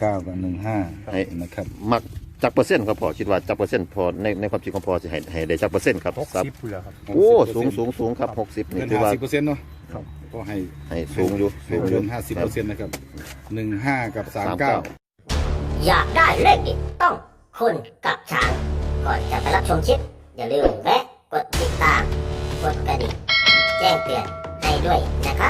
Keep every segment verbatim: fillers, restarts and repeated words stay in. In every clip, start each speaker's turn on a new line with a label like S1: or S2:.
S1: เก้ากับหนึ่งห้านะครับ
S2: มักจักเปอร์เซ็นต์ครับพ่อคิดว่าจักเปอร์เซ็นต์พอในในความคิดของพ่อจะให้ให้ได้จักเปอร์เซ็นต์ครับ
S3: หกสิบเลยครับ
S2: โอ้สูงสูงสูงครับหกสิบนี่
S1: เกิน
S2: ถือ
S1: ห้า
S2: ว่า
S1: สิบเปอร์เซ็นต์เนาะ
S3: ครับ
S1: ก็ให้
S2: ให้สูงอยู่
S1: ให้
S2: สูงอ
S1: เกิ
S2: ยู่
S1: นห้าสิบเปอร์เซ็นต์นะครับหนึ่งห้ากับสามเก้า
S4: อยากได้เลขเด็ดต้องคุณกับช้าง ก่อนจะไปรับชมคลิปอย่าลืมแวะกดติดตาม กดกระดิ่งแจ้งเตือนให้ด้วยนะครับ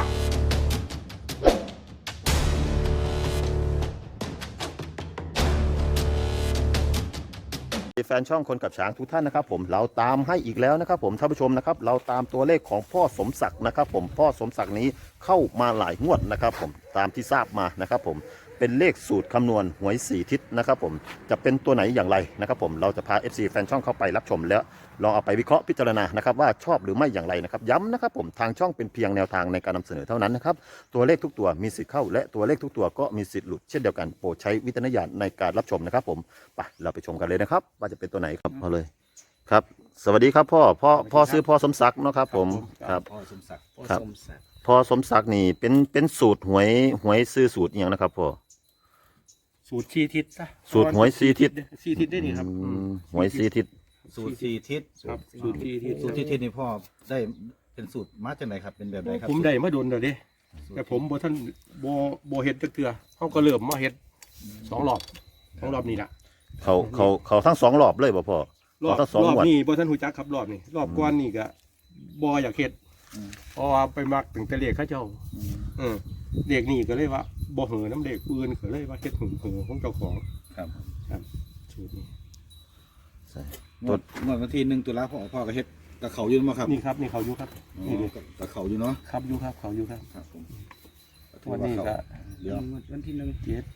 S2: แฟนช่องคนกับช้างทุกท่านนะครับผมเราตามให้อีกแล้วนะครับผมท่านผู้ชมนะครับเราตามตัวเลขของพ่อสมศักดิ์นะครับผมพ่อสมศักดิ์นี้เข้ามาหลายงวดนะครับผมตามที่ทราบมานะครับผมเป็นเลขสูตรคำนวณหวยสี่ทิศนะครับผมจะเป็นตัวไหนอย่างไรนะครับผมเราจะพา เอฟ ซี แฟนช่องเข้าไปรับชมแล้วลองเอาไปวิเคราะห์พิจารณานะครับว่าชอบหรือไม่อย่างไรนะครับย้ำนะครับผมทางช่องเป็นเพียงแนวทางในการนำเสนอเท่านั้นนะครับตัวเลขทุกตัวมีสิทธิ์เข้าและตัวเลขทุกตัวก็มีสิทธิ์หลุดเช่นเดียวกันโปรดใช้วิจารณญาณในการรับชมนะครับผมไปเราไปชมกันเลยนะครับว่าจะเป็นตัวไหนครับพอเลยครับสวัสดีครับพ่อพ่อพ่อซื้อพ่อสมศักดิ์เนาะครับผมครับ
S1: พ่อสมศักดิ์
S2: ครับพ่อสมศักดิ์นี่เป็นเป็นสูตรหวยหวยซื้อสูตรอหย่างนะครับพ่อ
S3: สูตรชีทิศซะ
S2: สูตรหวยสี่ทิศ
S3: ชีทิศได้นี่ครับ
S2: อืมหวยสี่ทิศ
S5: สูตรสี่ทิศ
S3: ครับสูตรชีทิศ
S5: สูตรที่ทิศนี่พ่อได้เป็นสูตรมาจากไหนครับเป็นแบบไหนครับ
S3: ผมได้มาโดนเดี๋ยวดิแต่ผมบ่ท่านบ่บ่เฮ็ดจักเทื่อเขาก็เริ่มมาเฮ็ดสองรอบสองรอบนี่ล่ะ
S2: เขาเขาเขาทั้งสองรอบเลยป่ะพ่อ
S3: รอบ
S2: เขาทั้งสอง
S3: รอบ
S2: งวด
S3: นี้บ่ท่านหูจักครับรอบนี้รอบก่อนนี่ก็บ่อยากเฮ็ดเพราะว่าไปมักถึงแต่เลขเขาเจ้าเออเลขนี่ก็เลยว่าบ่เหือน้ำเลขอื่นก็เลยว่าเฮ็ดหึงเหือของเจ้าของ
S5: ครับ
S3: ครับสูตรนี้
S2: ใช่
S5: งวดงวดวันที่หนึ่งตุลาพ่อพ่อก็เฮ็ดกับเขาอยู่มั้งครับ
S3: นี่ครับนี่เขาอยู่ครับ
S5: อ๋อ
S3: นี่นี่
S5: กับเขาอยู่เนาะ
S3: ครับอยู่ครับเขาอยู่ครับ
S5: ครับผม
S3: วันนี้ก็
S5: เดี๋ยว
S3: วันที่หนึ่งเจ็ด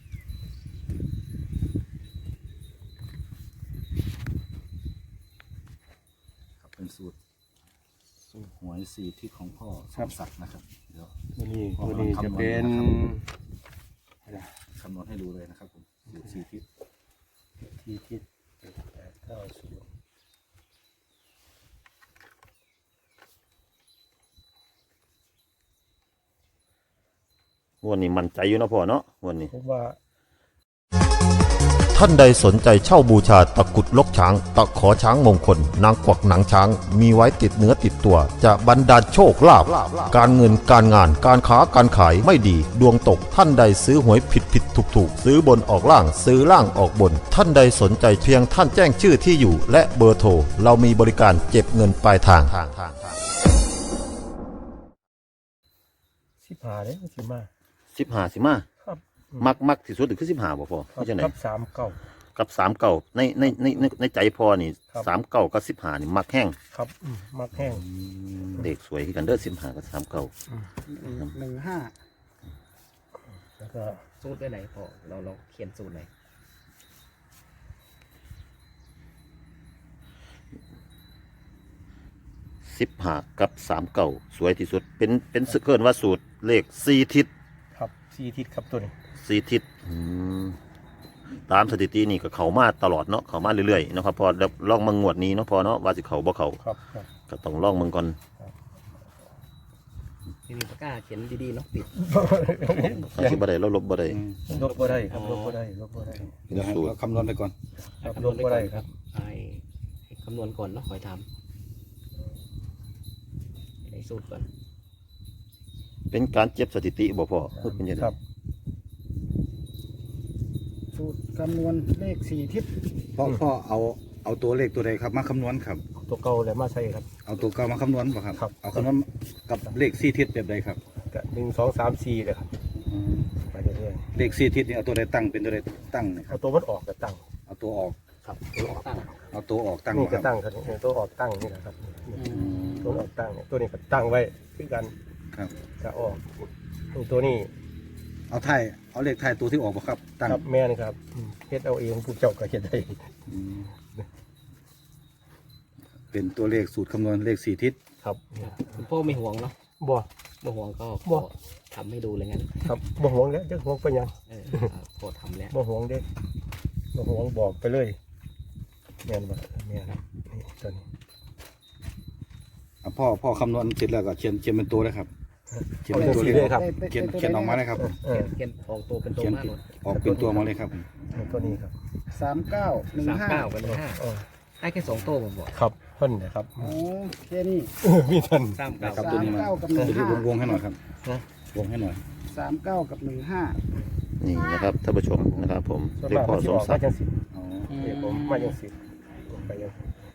S5: ครับเป็นสูตรสูตรหวยสี่ทิศของพ่อสมศักดิ์นะครับเดี๋ยว
S3: วันนี้วันนี้จะเป็น
S5: คำนวณให้ดูเลยนะครับผมสูตรสี่ทิศ
S3: ที่ทิศแปดเก้าศูนย์
S2: งวดนี้มั่นใจอยู่เนาะพ่อเนาะงวดนี้
S3: ผมว่า
S6: ท่านใดสนใจเช่าบูชาตะกรุดลกช้าง ตะขอช้างมงคล นางกวักหนังช้าง มีไว้ติดเนื้อติดตัว จะบรรดาลโชคลาภการเงินการงานการค้าการขายไม่ดี ดวงตกท่านใดซื้อหวยผิดผิดถูกถูกซื้อบนออกล่างซื้อล่างออกบน ท่านใดสนใจเพียงท่านแจ้งชื่อที่อยู่ และเบอร์โทรเรามีบริการเก็บเงินปลายทาง
S3: สิบห้าเลยสิมา
S2: สิบห้าสิมา
S3: ครับ
S2: มักมักที่สุดคือสิบห้าบ่พ่อ
S3: ครับ
S2: ไม่ใช่ไหน
S3: ครับสามเก้า
S2: กับสามเก่าในในในในในใจพ่อนี่
S3: ครับ
S2: สามเก่ากับสิบห้านี่มักแห้ง
S3: ครับอืมมักแห้ง
S2: เด็กสวยคือกันเด้อสิบห้ากับสามเก่า
S1: หนึ่งห้า
S3: แล้วก็
S7: สูตรได้ไหนพอเราเราเขียนสูตรไหน
S2: สิบห้ากับสามเก่าสวยที่สุดเป็นเป็นเกินว่าสูตรเลขสี่ทิศ
S3: ครับสี่ทิศครับตัวนี้
S2: สี่ทิศอืมตามสถิตินี่ก็เขามาตลอดเนาะเขามาเรื่อยๆเนาะครับพอแล้วลองมางวดนี้เนาะพอเนาะว่าสิเขาบ่เขา
S3: ครับครับ
S2: ก็ต้องลองมึงก่อน
S7: ไม่มีปากกาเขียนดีๆเนาะติด
S2: อาชีพบ่ได้เราลบบ่ได้
S3: ลบก็ได้ครับลบก็ได้ลบก็ได้
S1: เดี๋ยวให้เราคำนวณไปก่อน
S3: ครับลบก็ได้ครับ
S7: ไอ้ให้คำนวณก่อนเนาะคอยทำในสูตรก่อน
S2: เป็นการเจ็บสถิติบ่พอพูดเป็นยังไง
S3: ครับ
S8: สูตรคำนวณเลขสี่ทิศ
S1: พ่อพ่อเอาเอาตัวเลขตัวใดครับมาคำนวณครับ
S3: ตัวเก่าเลยมาใช่ครับ
S1: เอาตัวเก่ามาคำนวณป่ะครับ
S3: ครับ
S1: เอาคำนวณกับเลขสี่ทิศแบบใดครับ
S3: ก็หนึ่งสองสามสี่เลยครับไปเรื่อย
S1: เลขสี่ทิศนี่เอาตัวใดตั้งเป็นตัวใดตั้งนะ
S3: ๆ
S1: ครั
S3: เอา
S1: บ
S3: ตัวมันออกก็ตั้ง
S1: เอาตัวออก
S3: ครับ
S7: ตั้ง
S1: เอาตัวออกตั้ง
S3: นี่
S1: ค
S3: ก็
S1: รับ
S3: ตั้งครับนี่ตัวออกตั้งนี่นะครับตัวออกตั้งเนี่ยตัวนี้ก็ตั้งไว้คือกัน
S1: ครับ
S3: จะออกตัวนี้
S1: เอาไทยเอาเลขไทยตัวที่ออกป่ะครับตั้ง
S3: ครับแม่นครับอืมเฮ็ดเอาเองผู้เจ้าก็เฮ็ดได้
S1: อืมเป็นตัวเลขสูตรคำนวณเลขสี่ทิศ
S3: ครับ
S7: คุณพ่อไม่ห่วงเนาะ
S3: บ่
S7: ไม่ห่วงก็
S3: บ่
S7: ขอทำให้ดูเลยงั้น
S3: ครับบ่ห่วงแล้วจะห่วงไปหยัง
S7: เออเอาขอทำแล้ว
S3: บ่ห่วงเด้บ่ห่วงบอกไปเลยแม่นบ่แม่นครับนี่ตัวนี้
S1: อ่ะพ่อพ่อคำนวณเสร็จแล้วก็เขียนเขียนเป็นตัวนะครับ
S3: ค
S1: เขียนเป็นตัวเลข
S3: เลยครับ
S1: เขียนเขียนออกมาเลยครับ
S3: เออ
S7: เขียนออกตัวเป็นตัว
S1: เขียน
S7: มากหมด
S1: ออกเป็นตัวมาเลยครับ
S3: ตัวนี้ครับ
S8: สามเก้าหนึ่ง
S7: สาม
S8: ห้า
S7: เก้ากับหนึ่งห้า
S3: เออ
S7: ให้แค่สองตัวผมบอก
S3: ครับเพิ่นนะครับ
S8: โอ้แค่นี้
S3: มีท่าน
S7: สามเก้า
S1: ครับ
S8: สา
S1: ตัว
S8: ม
S1: นี้มา
S8: เก้ากับหนึ่ง
S1: ตัวนี้
S8: ห้าว
S1: งๆให้หน่อยครับ
S3: นะ
S1: วงให้หน่อย
S8: สามเก้ากับหนึ่งห้า
S2: นี่นะครับท่านผู้ชมนะครับผม
S3: ส่วน
S2: เลข
S3: มาก
S2: พ่อ
S3: มันสิ
S2: ส
S3: อ
S2: ม
S3: อก
S2: ศั
S3: มาก
S2: ดิ์
S3: จังสิ
S1: อ๋อ
S3: เดี๋ยวผมมาจังสิไปยัง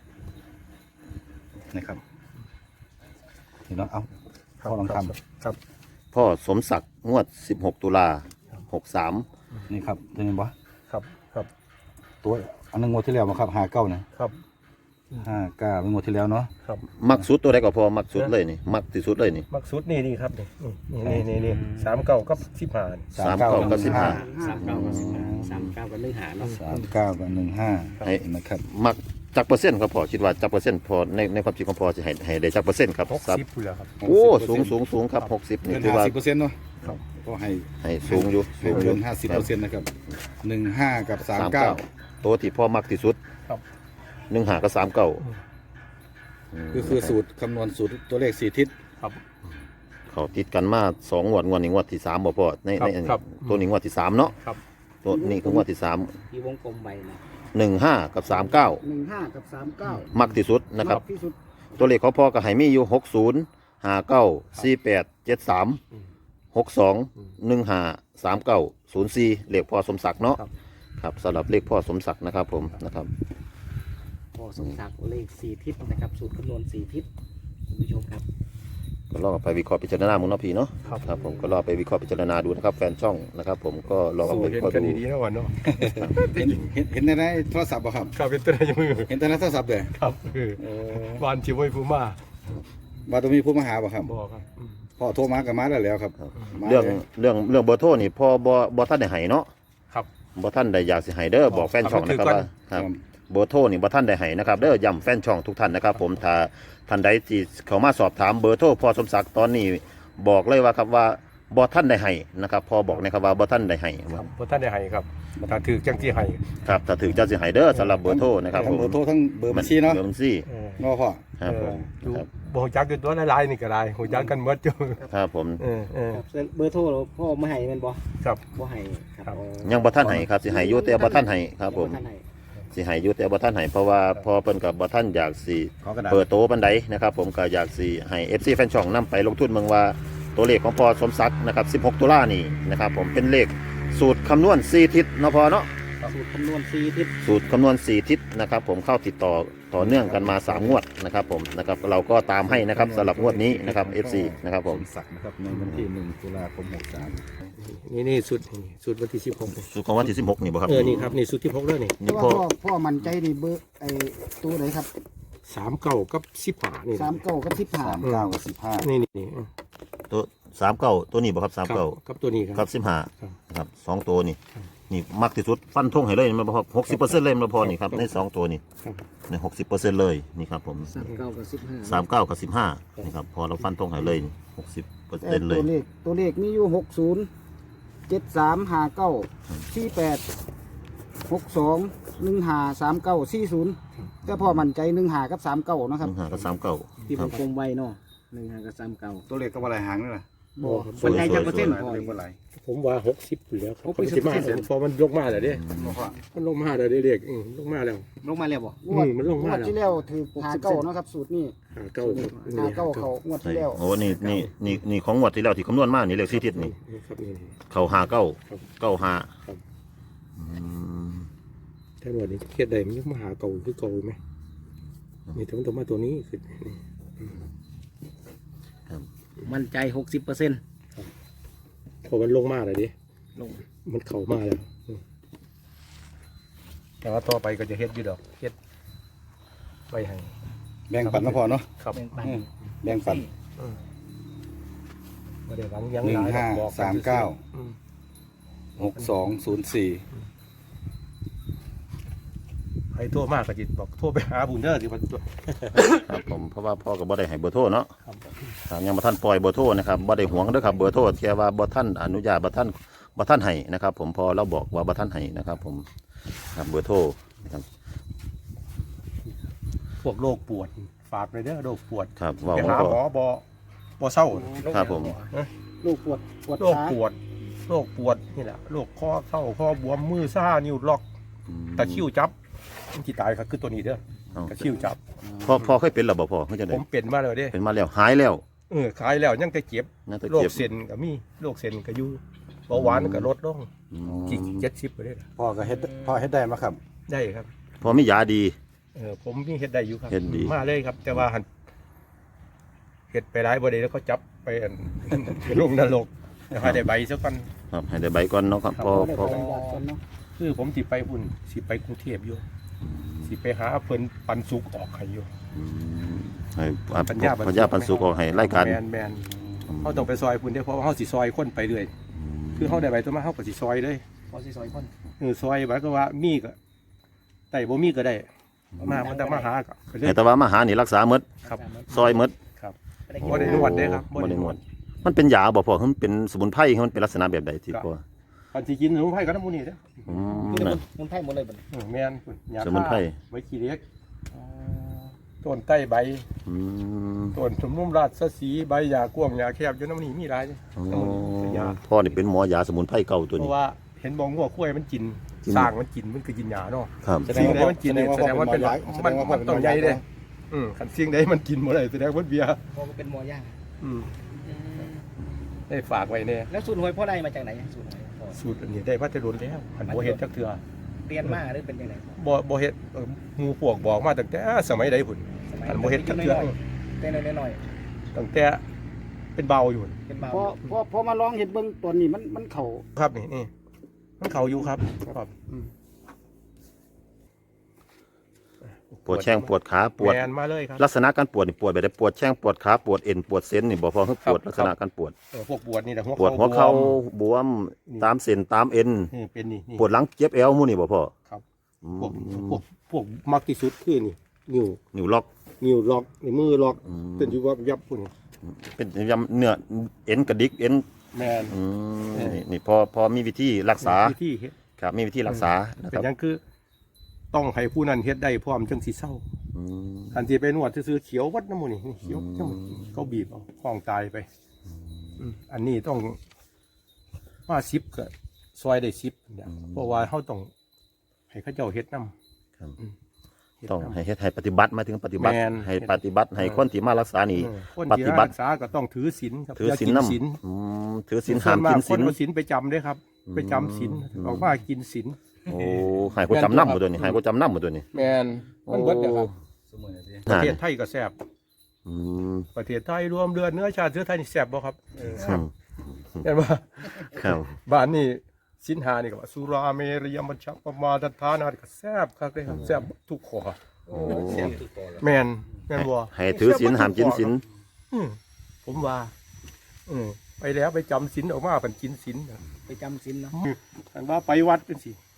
S1: นะครับเห็นเนาะเอาพ่อลองท
S3: ครับ
S2: พ่อสมศักดิ์งวดสิบหกตุลาหกสาม
S1: ำนี่ครับตัวนี้บ่
S3: ครับครับ
S1: ตัวอันนึงงวดที่แล้วมาครับห้าเก้านะครับ ห้าเก้าเป็นงวดที่แล้วเนาะ
S3: ครับ
S2: มักสุดตัวใดก็พอมักสุดเลยนี่มักที่สุดเลยนี่
S3: มักสุดนี่นี่ครับนี่นี่นี่นี่สามเก้ากับสิบห้า
S2: สามเก้ากับสิบห้า
S7: สามเก้ากับสิบห้าสามเก้ากับหนึ่งหาเนาะ
S1: สามเก้ากับหนึ่งห้า
S2: ให้
S1: นะครับ
S2: มักจักเปอร์เซ็นต์ครับพอคิดว่าจักเปอร์เซ็นต์พอในในความคิดของพอจะให้ให้ได้จักเปอร์เซ็นต์ครับ
S3: หก
S2: ครับ
S3: สิบอยู่แล้วครับ
S2: โอ้สูงสูงสูงครับหกสิบนี่
S1: เกิน
S2: ถือ
S1: ห้า
S2: ว่า
S1: สิบเปอร์เซ็นต์เนาะ
S3: ครับ
S1: ก็ให้
S2: ให้สูงอยู่
S1: ให้
S2: สูงอ
S1: เกิ
S2: ยู่
S1: นห้าสิบเปอร์เซ็นต์นะครับหนึ่งห้ากับสามเก้า
S2: ตัวที่พ่อมักที่สุด
S3: ครับ
S2: หนึ่งหากับสามเก้า
S1: ก็คือสูตรคำนวณสูตรตัวเลขสี่ทิศ
S3: ครับ
S2: เขาติดกันมาสองงวดงวดนี้งวดที่สามบ่พอใน
S3: ครับ
S2: ใน
S3: ครับ
S2: ตัวนี้งวดที่สามเนาะ
S3: ครับ
S2: ตัวนี้คืองวดที่สาม
S7: ที่วงกลมใบนะ
S2: หนึ่งห้ากับสามเก้า
S8: หนึ่งห้ากับสามเก้า
S2: มักที่สุดนะครับ
S8: มากที่สุด
S2: ตัวเลขของพ่อก็ให้มีอยู่หกศูนย์ห้าเก้าสี่แปดเจ็ดสามหกสองหนึ่งห้าสามเก้าศูนย์สี่เลขพ่อสมศักดิ์เนาะ
S3: ครับ
S2: ครับสำหรับเลขพ่อสมศักดิ์นะครับผมนะครับ
S7: พ่อสมศักดิ์เลขสี่ทิศนะครับสูตรคำนวณสี่ทิศคุณผู้ชมครับ
S2: ก็ลองเอาไปวิเคราะห์พิจารณามึงเนาะพี่เนาะ
S3: ครับ
S2: ครับผมก็ลองเอาไปวิเคราะห์พิจารณาดูนะครับแฟนช่องนะครับผมก็ลองเอา
S3: สู้
S2: ไปวิ
S3: เห็น
S2: เคราะห์
S3: กัน
S2: ดู
S3: ดีๆนะวันเนาะ
S1: เห็นเห็นเห็นในในโทรศัพท์ป่ะครับ
S3: ครับเป็นตัวไหนมือ
S1: เห็นแต่ในโทรศัพท์เลย
S3: ครับคือ
S1: โอ้
S3: วานชิวไว้ฟูมา
S1: ว่าต้องมีผู้มาหาป่ะครับ
S3: บอกครับอืม
S1: พ่อโทรมากับมาแล้วแล้วครับมา
S2: เรื่อง
S1: ลย
S2: เรื่องเรื่องเบอร์โทรนี่พ่อบอบอท่านได้ให้เนาะ
S3: ครับ
S2: บอท่านได้อยากสิให้เด้อบอกแฟนช่องนะครับว่าครับเบอร์โทรนี่บอท่านได้ให้นะครับเด้อย้ำแฟนช่องทุกท่านนะครับผมถ้าท่านใดที่เขามาสอบถามเบอร์โทรพ่อสมศักดิ์ตอนนี้บอกเลยว่าครับว่าบอท่านได้ให้นะครับพอบอกนะครับว่าบอท่านได้ให้
S3: ครับเพราะท่านได้ให้ครับถ้าถือจังที่ให้
S2: ครับถ้าถึงจะสิให้เด้อสำหรับเบอร์โทรนะครับ
S1: ทั้
S2: ผ
S1: ง
S2: ม
S1: เบอร์โทรทั้งเบอร์บัญชีเนาะ
S2: เบอร์บัญชี
S3: เออ
S1: เนาะพ่อ
S2: ครับผม
S3: ดู
S2: ครับ
S3: บหัวจักอยู่ตัวละลายๆนี่ก็ได้หัวจักกันหมดอยู่
S2: ครับผม
S3: เออเออ
S7: เบอร์โทรพ่อไม่ให้แมันบ่
S3: ครับ
S7: บ่ให้ครับ
S3: ครับ
S7: อ๋อ
S2: ยังบอท่านให้ครับสิให้อยู่แต่บอท่านให้ครับผม
S7: ท่านให้
S2: สิให้อยู่แต่บอท่านให้เพราะว่าพอเพิ่นกับบอท่านอยากสิ
S1: ขอกระดาษ
S2: เปิดโตบันไดนะครับผมก็อยากสิให้ เอฟ ซี แฟนช่องนํไปลงทุนเมืองว่าตัวเลขของพอสมศักดิ์นะครับสิบหกตุลานี่นะครับผมเป็นเลขสูตรคำนวณสี่ทิศเนาะพอเนาะ
S7: สูตรคำนวณสี่ทิศ
S2: สูตรคำนวณสี่ทิศนะครับผมเข้าติดต่อต่อเนื่องกันมาสามงวดนะครับผมนะครับเราก็ตามให้นะครับสำหรับงวดนี้นะครับ เอฟ ซี นะครับผม
S1: สมศักดิ์นะครับในวันที่หนึ่งตุลาคมหกสาม
S3: นี่นี่สุดนี่สุดวันที่สิบหก
S2: สูตรของวันที่สิบหกนี่บ่ครับ
S3: เออนี่ครับนี่สุดที่พกเลยนี่
S2: นี่
S8: แต่ว่า
S2: พ่อ
S8: พ่อพ่อมั่นใจนี่เบอร์ไอ้ตัวไหนครับ
S3: สามเก้ากับสิบห้านี่
S8: สามเก้ากับสิบห้า
S1: สามเก้ากับสิบห้า
S3: นี่นี่นี่
S2: ตัวสามเก้าตัวนี้บ่ครับสาม
S3: ครับ
S2: เก้า
S3: กับตัวนี้ค
S2: ครั
S3: รั
S2: บบ สิบห้า
S3: ครับ
S2: นะครับสองตัวนี่นี่มักที่สุดฟันธงให้เลยมันบ่ครับหกสิบเปอร์เซ็นต์เลยมันพอนี่ครับในสองตัวนี่
S3: ครับ
S2: ในหกสิบเปอร์เซ็นต์เลยนี่ครับผม
S7: สามเก้ากับสิบห้า
S2: สามเก้ากับสิบห้านี่ครับพอเราฟันธงให้เลยหกสิบเปอร์
S8: แต่
S2: เซ็นต์เล
S8: ตั
S2: ยว
S8: เลขตัวเลขมีอยู่หกศูนย์เจ็ดสามห้าเก้าสี่แปดหกสองหนึ่งห้าสามเก้าสี่ศูนย์แต่พ่อมั่นใจหนึ่งห้ากับสามเก้าเนาะ
S2: ห
S8: ครับ
S2: นึ่งห้ากับสามเก้า
S7: ที่
S2: คว รับ
S7: งกลมใบเนาะหนึ่งห้ากับสามเก้า
S1: ตัวเลขก็ว่าอะไรหางนี่แหละ
S8: บ่
S2: สวยๆ
S8: มั่นใจจักเปอร์เซ็นต์
S1: ตัว
S8: พ่อ
S1: เลขว่าอะไร
S3: ผมว่าหกสิบอยู่แล้วครับ
S8: หก
S3: ผม
S8: สิบ
S3: สิมาพอมันลงมาแล้วเด้
S1: บอกว่า
S3: มันลงมาแล้วเด้เด็กอืมลงมาแล้ว
S7: ลงมาแล้วบ่
S3: อืมมันลงมาง
S8: วด
S3: แล้ว
S8: ที่แล้วถือหาเก้าเนาะครับสูตรนี้
S3: หาเก้าครับ
S8: หาเก้าเขางวดที่แล้ว
S2: โอ้นี่นี่นี่นี่ของงวดที่แล้วที่คำนวณมานี่เลขสี่ทิศนี่
S3: นี่ครับนี่นี่
S2: เขาหาเก้า
S3: ครับ
S2: เก้าหา
S3: ครับ
S2: อืม
S3: แท่นวันนี้เครียดใดมันยังมาหาเก่าคือเก่าไหมนี่ถึงต้องมาตัวนี้คือนี่
S7: มั่นใจหกสิบเปอร์เซ็นต์
S3: พอมันลงมาแล้วดิ
S7: ลง
S3: มันเข่ามาแล้วอืมแต่ว่าต่อไปก็จะเฮ็ดอยู่ดอกเฮ็ดไปให้
S1: แบ่งปันนะพ่อเนาะ
S3: ครับ
S7: เป็นปัน
S1: อืมแบ่งปัน
S3: ไม่ได้หวังยัง
S1: หนึ่ง
S3: ลย
S1: ห้า
S3: บอก
S1: สามเก้า
S3: อืม
S1: หกสองศูนย์สี่
S3: ใครโทรมากก็จิตบอกโทรไปหาบุญเด้อสิมันตัว
S2: ครับผมเพราะว่าพ่อกับบ่ได้ให้เบอร์โทรเนาะ
S3: ครับ
S2: ถ้ายังบ่ท่านปล่อยเบอร์โทรนะครับบ่ได้หวงเด้อครับเบอร์โทรแค่ว่าบ่ท่านอนุญาตบ่ท่านบ่ท่านให้นะครับ ผมพอเราบอกว่าบ่ท่านให้นะครับ ผมครับเบอร์โทรนะครับ
S3: พวกโรคปวดฝากไปเด้อโรคปวด
S2: ครับเว่า
S3: ไป
S2: มัน
S3: หา
S2: ก็
S3: หมอบอบ่เศร้า
S2: ครับผม
S8: ลูกปวดปวด
S3: โรค
S8: ขา
S3: ปวดโรคปวดนี่แหละโรคข้อเข่าข้อบวมมือซ่านิ้วล็อกตะคริวจับที่ตายก็คือตัวนี้เด้อ
S2: เอา
S3: ตะคริวจับ
S2: พ่อพ่อเคยเป็นหรือบ่พ่อเขาจะ
S3: ผ
S2: ได้
S3: มเป็นมาแล้วเด้
S2: เป็นมาแล้วหายแล้ว
S3: เออขายแล้วยังจะเจ็บ
S2: น่าจะ
S3: โรค
S2: เจ็บ
S3: เส้นก็มีโรคเส้นก็อยู่เบาหวานก็ลดลง
S2: อื
S3: กี่
S2: ม
S3: เจ็ดสิบไปได้ล่ะ
S1: พ่อก็เฮ็ดพ่อเฮ็ดได้มาครับ
S3: ได้ครับ
S2: พอมียาดี
S3: เออผมมีเฮ็ดได้อยู่ครับ
S2: เฮ็ดดี
S3: มาเลยครับ แต่ว่าหันเฮ็ดไปหลายบ่ได้แล้วเขาจับไปอัน ลงนรกแต่ให้ได้ใบซะก่อน
S2: ครับให้ได้ใบก่อนเนาะครับ
S3: ครับ
S2: พอ
S8: ได้
S2: พอ
S8: เป็นญาติกันเนาะ
S3: คือผมสิไปพุ่นสิไปกรุงเทพอยู่สิไปหาเพิ่นปันสุกออกให้อยู่
S2: อืมให้อ่ะ
S3: ปัญญาปันสุก
S2: ปัญญาปันสุกออกให้รายการ
S3: แมนแมนเขาต้องไปซอยพุ่นเด้อเพราะว่าเขาสิซอยคนไปเรื่อยคือเขาได้ใบตัวมาเขาก็สิซอยเลย
S7: พอสิซอยคน
S3: เออซอยหมายก็ว่ามีก็ได้บ่มีก็ได้มามันต้องมาหาก็ไปเลย
S2: ให้แต่ว่ามาหานี่รักษาหมด
S3: ครับ
S2: ซอยหมด
S3: ครับ
S7: ไม่ได้
S3: บ่ได้นวดเด้ครับ
S2: บ่ได้นวดมันเป็นยาบ่พ่อคือมันเป็นสมุนไพรคือมันเป็นลักษณะแบบใดที่พ่อ
S3: คันสิกินสมุนไพรก็น้ำมูนี่เด้อ
S2: อืม
S7: คือ
S2: นั่น
S7: มันไพ่หมดเลยบัดนี้
S3: เออแมนพุ่นยา
S2: สมุนไพร
S3: ฆ่าไว้ขี้เล็กต้นใต้ใบ
S2: อืม
S3: ต้นสมุนราชสีห์ใบยากว้างยาแคบอยู่น้ำนี่มีหลายเด้อ
S2: อ๋อ
S3: น้ำมันเป็นยา
S2: พ่อนี่เป็นหมอยาสมุนไพรเก่าตัว
S3: เพ
S2: นี้
S3: ราะว่าเห็นบองหัวคุ้ยมันกิน
S2: กิน
S3: สร้างมันกินมันคือกินยาเนาะ
S2: ครับ
S3: สิ่งใดมันกินเนี่ยแสดงว่าเป็นมันมันต้องใหญ่เด้อืมคันสิ่งใดมันกินบ่ได้แสดงว่าเบียร์
S7: พอเป็นหมอย่าง
S3: อืมได้ฝากไว้เนี่ย
S7: แล้วสูตรหวยพ่อได้มาจากไหนสูตรหวยพ่อ
S3: สูตรอันนี้ได้พัฒรุนแล้วอันบ่เฮ็ดจักเทื่อ
S7: เรียนมาหรือเป็นยังไงพ่อ
S3: บ่บ่เฮ็ดเอ่อหมู่พวกบอกมาตั้งแต่สมัยใดพุ่น
S7: สมัย
S3: อันบ่เฮ็ดจักเทื่อ
S7: เต้นน้อย
S3: ตั้งแต่เป็นเบาอยู่
S7: ๆเป็นเบา
S8: พอพอพอมาลองเห็นเบิ่งตัวนี้มันมันเข่า
S3: ครับนี่นี่มันเข้าอยู่ครับครับอืม
S2: ปวดแข้งปวดขาปวด
S3: แมนมาเลยครับ
S2: ลักษณะการปวดนี่ปวดแบบใดปวดแข้งปวดขาปวดเอ็นปวดเส้นนี่บ่พอคือปวด
S3: ครับ
S2: ลักษณะการปวด
S3: เออพวกปวดนี่แหละหัว
S2: ปวดหัวเข่า
S3: บวม
S2: บวมตามเส้นตามเอ็น
S3: นี่เป็นนี่นี่
S2: ปวดหลังเจ็บเอวหมู่นี่บ่พ่อ
S3: ครับ
S2: อืม
S3: พวกพวกพวกมักที่สุดคือนี่นิ้ว
S2: นิ้วล็อก
S3: นิ้วล็อกนี่มือล็อก
S2: อืม
S3: เป็นอยู่ว่ายับพุ่น
S2: เป็นยำเนื้อเอ็นกระดิกเอ็น
S3: แมน
S2: อืม
S3: เออ
S2: นี่นี่พอพอมีวิธีรักษา
S3: วิธีเฮ็ด
S2: ครับมีวิธีรักษานะค
S3: เป็น
S2: รับ
S3: หยังคือ ต้องให้ผู้นั้นเฮ็ดได้พร้อมจังสิเศร้า
S2: อืม
S3: อันที่ไปนวดซื้อๆเขียววัดน้ำมูนี่นี่เขียว
S2: อืม
S3: จังหวะเขาบีบเอาคล้องตายไปอืมอันนี้ต้องมาซิปก็ซอยได้ซิปเนี่ยเพราะว่าเขาต้องให้เขาเจ้าเฮ็ดน้ำ
S2: ครับ
S3: อืมเฮ็ด
S2: ต้อง
S3: นำ
S2: ให้เฮ็ดให้ปฏิบัติหมายถึงปฏิบัติ
S3: แม่น
S2: ให้ปฏิบัติให้คนที่มารักษานี่
S3: เออคน
S2: ป
S3: ที่
S2: ฏิบัติ
S3: รักษาก็ต้องถือศีลครับ
S2: ถือ
S3: อย่า
S2: ศีล
S3: กิน
S2: น้
S3: ศีล
S2: ำอืมถือศีล
S3: ส่
S2: ห้า
S3: วน
S2: ม
S3: มาก
S2: กิน
S3: ค
S2: ศี
S3: น
S2: ล
S3: เอาศีลไปจำเด้อครับ
S2: อืม
S3: ไปจำศีล
S2: อืม
S3: ออกมากินศีล
S2: โอ้ให้กูจำน้ำหมดตัวนี้ให้กูจำน้ำหมดตัวนี้
S3: แมนมันเบิดเด้อครับ
S5: สมุนไพร
S3: ประเทศไทยก็แซ่บ
S2: อืม
S3: ประเทศไทยรวมเดือนเนื้อชาติเชื้อไทยนี่แซ่บบ่ครับเออ
S2: ครับ
S3: เห็นบ่
S2: ครับ
S3: บ้านนี่สินหานี่ก็ว่าสุราเมรยมัชฌัปปมาทัฏฐานาก็แซ่บคักเลยครับแซ่บทุกข้อ
S2: โอ้
S3: แม่นแม่นบ่
S2: ให้ถือศีลห้ามกินศีล
S3: อืมผมว่าอืมไปแล้วไปจำศีลออกมาเป็นกินศีล
S7: ไปจำศีลเนาะ
S3: อันว่าไปวัดเป็นสิ